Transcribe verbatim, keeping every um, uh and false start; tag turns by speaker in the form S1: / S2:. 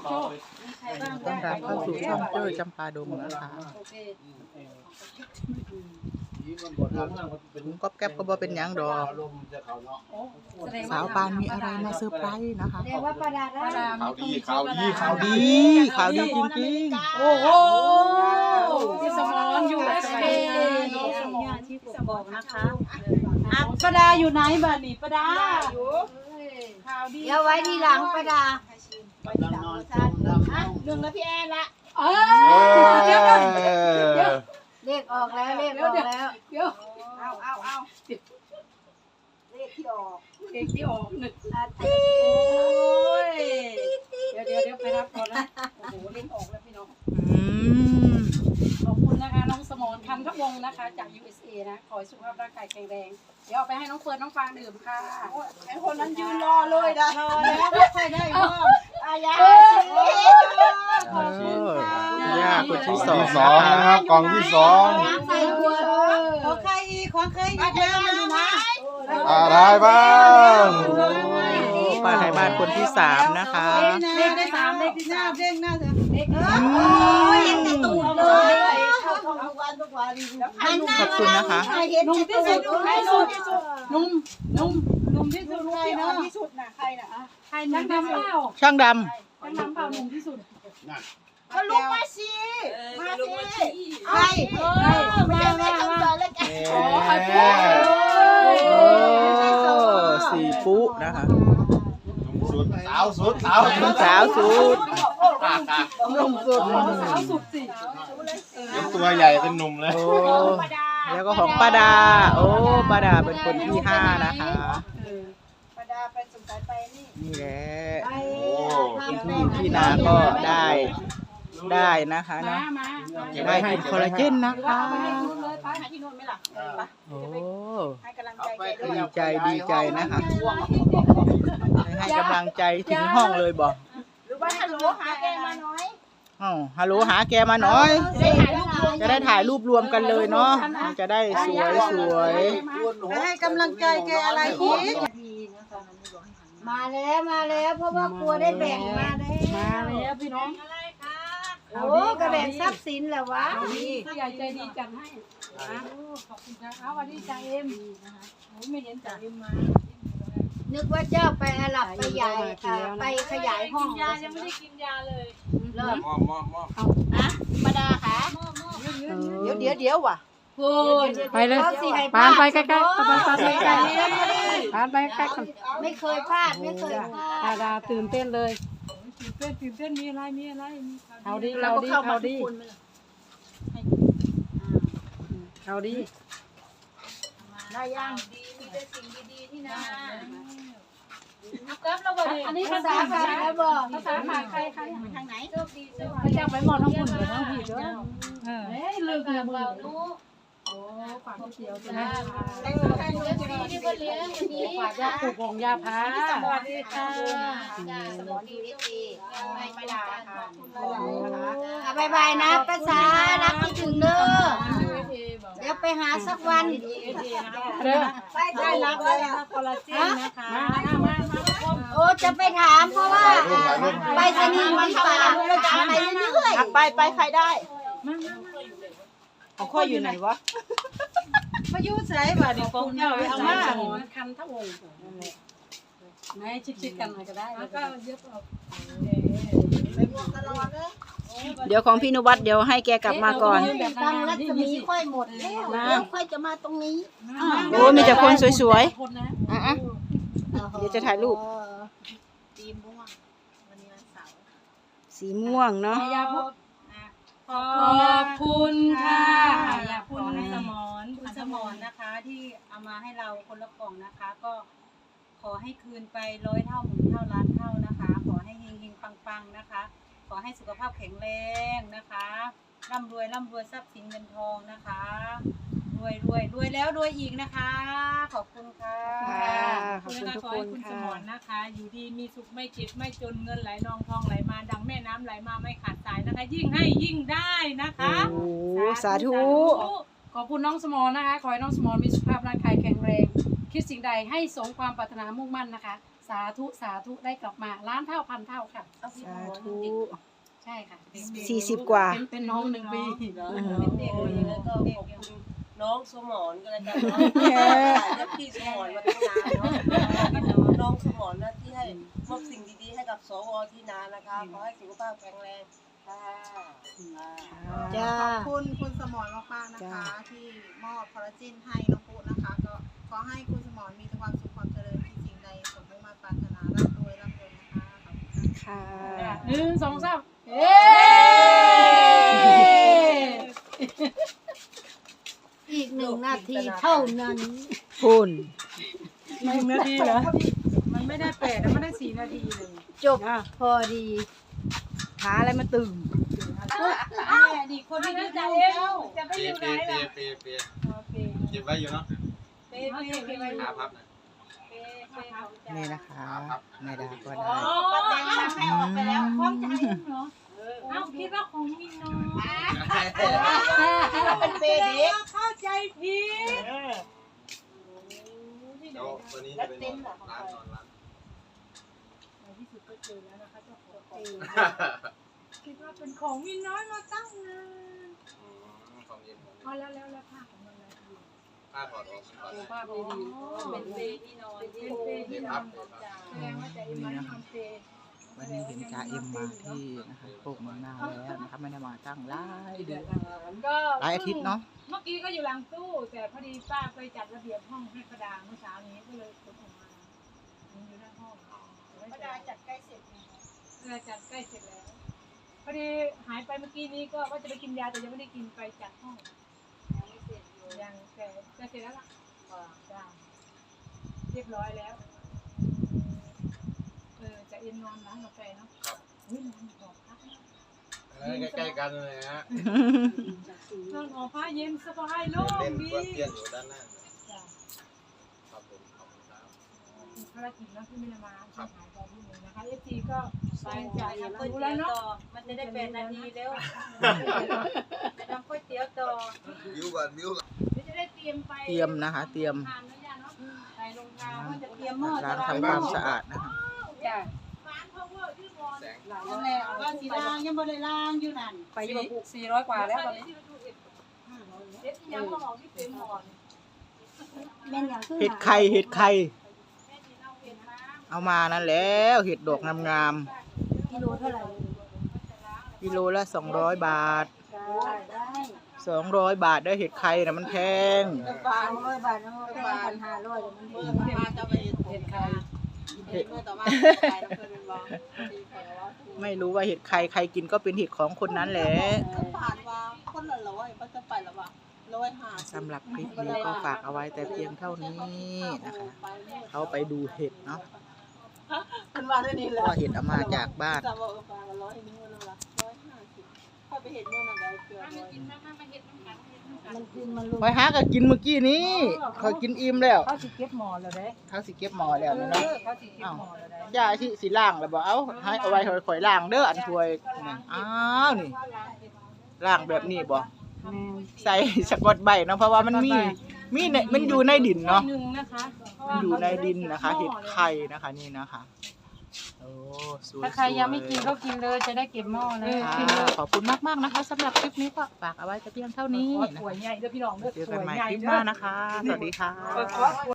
S1: โชคต้อนรับเข้าสู่ช่องเจ้ยจำปาดงนะคะผมก็แก๊บก็บอเป็นยังดอกสาวปานมีอะไรมาเซอร์ไพรส์นะคะข่าวดีข่าวดีข่าวดีข่าวดีจริงๆโอ้โห
S2: ที่สมอนอยู่เอสเคน้องสมอนที่ผมบอกนะคะอ่ะประดาอยู่ไหนบ้านี่ประดาอยู่ข่าวดี
S3: เดี๋ยวไว้ทีหลังประดา
S2: หนึ่งแล้วพี่แอนละเอ
S3: อเดี๋ยวเดี๋ยวเลขออกแล้วเลขออกแล้ว
S2: เดี๋ยว
S3: เอาเอาเอาเลขที่ออก
S2: เลขที่ออกหนึ่งโอ้ยเดี๋ยวเดี๋ยวเดี๋ยวไปรับก่อนนะโอ้โหเลขออกแล้วพี่น้องขอบคุณนะคะน้องสมรคันทวงศ์นะคะจาก ยู เอส เอ นะขอให้สุขภาพร่างกายแข็งแรงเดี๋ยวเอาไปให้น้องเฟิร์นน้องฟางดื่มค่ะ
S3: ไอ้คนนั้นยืนรอเลยนะรอแล้วใครได้บ้างอายา
S1: ขอบคุณค่ะย่าคนที่สอง
S4: สองนะครับกล่องที่สอง
S3: ใส่หัวขอใครอีกขอใครอีกแล้วมาดูนะ
S4: อะไรบ้าง
S1: ป้าไทยบ้านคนที่สามนะคะ
S2: เลขได้สามเลขที่สาม
S3: เด้งหน้าเลขโอ้ยยังตูดเลยเข้าทุกวันทุกวัน
S1: ขอบคุณนะคะ
S2: นุ่มที่สุดนุ่มที่สุดนุ่มนุ่มนุ่มที่สุดใครเนาะที่สุดน่ะใครน่ะใครช่างดำเปล่า
S1: ช่างดำ
S2: ช่างดำเปล่านุ่มที่สุด
S3: ก็ลุกมาสิมาสิใครไม่ใช่แม่คำสอนแล้วกัน
S2: โอ้
S1: ยสี่ปุ๊นะคะ
S4: สุดสาวสุดสาว
S1: สุดสาวสุด
S2: นุ่มสุดสาวสุดสิ
S4: เป็นตัวใหญ่เป็นหนุ่มเลย
S1: แล้วก็ของป้าดาโอ้ป้าดาเป็นคนที่ห้านะคะ
S3: ป้าดาไปสงสัยไปนี่
S1: นี่แหละพี่พี่นาก็ได้ได้นะคะเนาะได้กินคอลลาเจนนะคะโอ้ดีใจดีใจนะคะให้กำลังใจถึงห้องเลยบอก
S3: หรือว่าฮัลโหลหาแกมาหน่อย
S1: อ๋อฮัลโหลหาแกมาหน่อยจะได้ถ่ายรูปรวมกันเลยเนาะจะได้สวยสวย
S3: ให้กำลังใจแกอะไรอีกมาแล้วมาแล้วเพราะว่ากลัวได้แบ่งมาได้
S2: มาแล้วพี่น้อง
S3: โอ้กระแบ่งทรัพย์สินแหละวะ
S2: ผู้ใหญ่ใจดีจังให้ขอบคุณค่ะเอาวันนี้จ่าเอ็มไม่เห็นจ่าเอ็มมา
S3: นึกว่าเจ้าไปอาหรับไปใหญ่ไปขยายห้อง
S2: ยายังไม่ได้กินยาเลย
S3: เลิก
S4: มอมมอมมอม
S3: อะประดาค่ะเดี๋ยวเดี๋ยวเดี๋ยวว่ะ
S2: พูดไปเลยปานไปใกล้ๆปานปานไปใกล้ๆปานไปใกล้กัน
S3: ไม่เคยพลาดไม่เคยพลาด
S2: ดาตื่นเต้นเลยตื่นเต้นตื่นเต้นมีอะไรมีอะไรเอาดีเอาดีเอาดีเอาดี
S3: ได้ยังดีมีแต่สิ่งดีๆที่นั่นอันนี้ภาษาใครนะบ่
S2: ภาษาใครใครใคร
S3: ทางไหนโชคดีโชค
S2: ดีจะไปหมดทั้งคุณเลยทั้งผิดด้วยเฮ้ยลืมลืมเรานู้โอ้ฝากก๋วยเตี๋ยวจ้าแต่งตัวแต่งตัวดีที่บ้านเลี้ยงวันนี้ฝากยาปลูกของยาพาสวัสดีค่ะ
S3: สมอดีดีดีไม่ไม่ได้ค่ะบายบายนะภาษารักที่ถึงเด้อเดี๋ยวไปหาสักวัน
S2: ไปได้รับเลยคอลลาเจนนะคะ
S3: โอ้จะไปถามเพราะว่าไปสนีย์มันฝากเราจะไปเรื่อย
S2: ๆไปไปใครได้ของข้ออยู่ไหนวะ
S3: พายุใส่บ่ดิฟงเจ้าเอามา
S2: คันทั้งวงไม่ชิดๆกันหน่อยก็ได้แล้วก็เยอะเอา
S3: ไปบวกตลอดเลย
S1: เดี๋ยวของพี่นุวัฒน์เดี๋ยวให้แกกลับมาก่อน
S3: ตั้งรัศมีค่อยหมดแล้วค่อยจะมาตรงนี้
S1: โอ้มีแต่คนสวยๆอ่ะเดี๋ยวจะถ่ายรูป
S3: สีม่วงวันนี้วันเสาร์
S1: สีม่วงเนาะ
S2: ขอบคุณค่ะอยากคุณสมรคุณสมรนะคะที่เอามาให้เราคนละกล่องนะคะก็ขอให้คืนไปร้อยเท่าหมื่นเท่าล้านเท่านะคะขอให้เฮงเฮงปังๆนะคะขอให้สุขภาพแข็งแรงนะคะร่ำรวยร่ำรวยทรัพย์สินเงินทองนะคะรวยรวยรวยแล้วรวยอีกนะคะขอบคุณค่ะ
S1: ขอบคุณทุกคน
S2: คุณสมรนะคะอยู่ดีมีสุขไม่เจ็บไม่จนเงินไหลนองทองไหลมาดังแม่น้ำไหลมาไม่ขาดสายนะคะยิ่งให้ยิ่งได้นะคะ
S1: โอ้สาธุ
S2: ขอบคุณน้องสมรนะคะขอให้น้องสมรมีสุขภาพร่างกายแข็งแรงคิดสิ่งใดให้สมความปรารถนามุ่งมั่นนะคะ
S5: สาธุสาธุได้กลับมาล้านเท่าพันเท่าค่ะ
S1: สาธุ
S5: ใช่ค่ะ
S1: สี่สิบกว่า
S5: เป็นเป็นน้องหนึ่งปี
S6: เป็นเด็กเลยแล้วก็ขอบคุณน้องสมรก็แล้วกันเนาะและพี่สมรมาตั้งนานเนาะน้องสมรนะที่ให้มอบสิ่งดีๆให้กับสวที่นานนะคะขอให้สุขภาพแข็งแรงค่ะ
S3: จ้า
S7: ขอบคุณคุณสมรมากๆนะคะ ที่มอบคอลลาเจนให้น้องปุ๊นะคะ ก็ขอให้คุณสมรมีแต่ความสุขความเจริญที่สิ่งใดสมมุ่งมาปรารถนาร่ำรวยร่ำรวยนะคะขอบคุณค่ะ
S1: ค่ะ
S5: หนึ่งสองสาม
S3: เอ้อีกหนึ่งนาทีเท่านั้น
S1: คุณ
S5: หนึ่งนาทีเหรอมันไม่ได้แปดแล้วมันได้สี่นาทีเลย
S3: จบพอดี
S1: หาอะไรมาตื่น
S2: ดีคนที่ดีใจเจ้าจะไป
S4: เปี
S2: อย ยู่ไหน
S4: เปีย
S2: ล่ะ
S4: เปียเปีย
S2: โอเค
S4: เก็บไว้อยู่เนาะ
S2: เป๊ะเป๊ะเป๊ะ
S4: ขาพับนะ
S2: เป๊ะเป๊ะของใจ
S1: นี่นะคะแม่ดาก็
S2: อ๋อ
S1: ได้
S2: ป้าแตงทำให้ออกไปแล้วพร้อมใจเหรอเอ้าคิดว่าของมินน้อย
S3: เป็นเปเด็ก
S2: เข้าใจผิด
S4: เดี๋ยวตัวนี้จะเป็นร้านนอนร้าน
S2: ในที่สุดก็เจอแล้วนะคะเจ้าของเองคิดว่าเป็นของมินน้อยมาตั้งนาน
S4: ของเย็น
S2: พอแล้วแล้วแล้วผ้าของมันอะไรอยู่
S4: ผ้าถอดออกถอด
S5: ภาพดีๆ
S2: เป็นเปที่นอนเป็นเปที่นอนแสดงว่าจะเอ็มมันทำเป
S1: วันนี้เห็นจ่าเอ็มมาที่นะคะโคกเมืองนาแล้วนะคะไม่ได้มาตั้งหลายเดือน
S2: ก็
S1: หลายอาทิตย์เนาะ
S2: เมื่อกี้ก็อยู่หลังตู้ แต่พอดีป้าไปจัดระเบียบห้องให้ประดาเมื่อเช้านี้ก็เลยขนออกมาอยู่หน้าห้องประดาจัดใกล้เสร็จประดาจัดใกล้เสร็จแล้วพอดีหายไปเมื่อกี้นี้ก็ว่าจะไปกินยาแต่ยังไม่ได้กินไปจัดห้องยังไม่เสร็จยังแต่จะเสร็จแล้วล่ะจ้าเรียบร้อยแล้วเออจะเอ็นนอนร้านกาแฟเนาะเฮ้ยนอนหอพักนะ
S4: ใกล้ๆกันเลยฮะ
S2: นอนหอพักเย็นสบายโล่ง
S4: เล่น
S2: ดี
S4: กวนเตียนอยู่ด้านหน้า
S2: จ้ะ
S4: ครับผมขอบคุณครับ
S2: มีภารกิจเนาะที่ไม่ได้มาหายไปที่หนึ่งนะคะเอฟซีก็ไป
S6: ไป
S2: จ่า
S6: จ่าย ย
S2: ทำ
S6: ก๋วย
S2: รู้
S6: เตี๋
S2: แล้
S6: ยว ว
S2: เนาะ
S6: ต่อมันจะได้เป็นนาทีแล้วจะทำก๋วยเตี๋ยวต่อ
S4: วิวก่อนวิว
S2: เดี๋ยวจะได้เตรียมไป
S1: เตรียมนะคะเตรียม
S2: ทานนะย่าเนาะไปโรงทาน
S1: ล้าง
S2: ว่าจะเตรียมหม้อ
S1: ล้างทำความสะอาดนะคะ
S2: จ้ะร้าน power ที่วอน
S4: แสง
S2: นั่นแหละว่าสีล่างยังบ่ได้ล่างอยู่นั่น
S5: ไปอยู่สี่ร้อยกว่าแล้วตอนนี้
S2: เด็ดยังหอมที่เต็มหม้อ
S3: แม่นอย่างคือ
S1: เห็ดไข่เห็ดไข่
S2: แม่ที่เราเห็นมา
S1: เอามานั่นแล้วเห็ดดอกงาม
S3: กิโลเท่าไหร่
S1: ๆกิโลละสองร้อยบาท
S3: ได้ได้
S1: สองร้อยบาทได้เห็ดไข่นะมันแพง
S3: สามร้อยบาทนะแค่พันห้าร้อยมันดี
S6: มาจะไปเห็นใคร
S1: เห็ด
S6: เมื่อต่อมาไปแล้วเพื่อนเป็นบอกดีแถวว่า
S1: ไม่รู้ว่าเห็ดไข่ใครกินก็เป็นเห็ดของคนนั้นแหละ
S6: ผ่านว่าคนละร้อยก็จะไปแล้วว่าร้อยห้า
S1: สำหรับคลิปนี้ก็ฝากเอาไว้แต่เพียงเท่านี้นะคะเขาไปดูเห็ดเนาะ
S6: เป็นว่าได้นี่
S1: เพ
S6: แหละ
S1: ราะว่าเห็ดเอามาจากบ้าน
S6: จำว่าเออฟังร้อยนึงวันละร้อยห้าสิบถ้าไปเห็นเมื่อไหร่เกือบร้อย
S2: กินนะคะมาเห็ดน้ำกันเห็ดน้ำกัน
S3: มันกินมันลง
S1: คอยหาก็กินเมื่อกี้นี้คอยกินอิ่มแล้ว
S5: เขาสิเก็บหมอแล้วเด้
S1: เขาสิเก็บหมอแล้วนะเนาะ
S5: เขาสิเก็บหมอแล้วเด้
S1: ย่าที่สิล่างแล้วบอกเอาให้เอาไว้คอยๆล่างเด้ออันถ้วยนี่อ้าวนี่ล่างแบบนี้บ่ใส่สกอตใบเนาะเพราะว่ามันมีมีในมันอยู่ในดินเนาะ
S2: หนึ่งนะคะเพราะ
S1: มัน
S2: ว่า
S1: อยู่ในดินนะคะ เห็ดไข่นะคะนี่นะคะโอ้สวยๆ
S5: ถ้าใครยังไม่กินก็กินเลยจะได้เก็บหม้อเลย
S1: ค่ะขอบคุณมากๆนะคะสำหรับคลิปนี้ก็ฝากเอาไว้แต่เพียงเท่านี้
S5: ขอ
S1: นะ
S5: สวย
S1: คะ
S5: ใหญ่เด้อพี่น้องเด้อ
S1: เจอ
S5: ส
S1: กัน
S5: วย
S1: ใหม่
S5: ใหญ่
S1: คลิปห
S5: เด้อ
S1: น้านะคะ สวัสดีค่ะ
S5: ขอ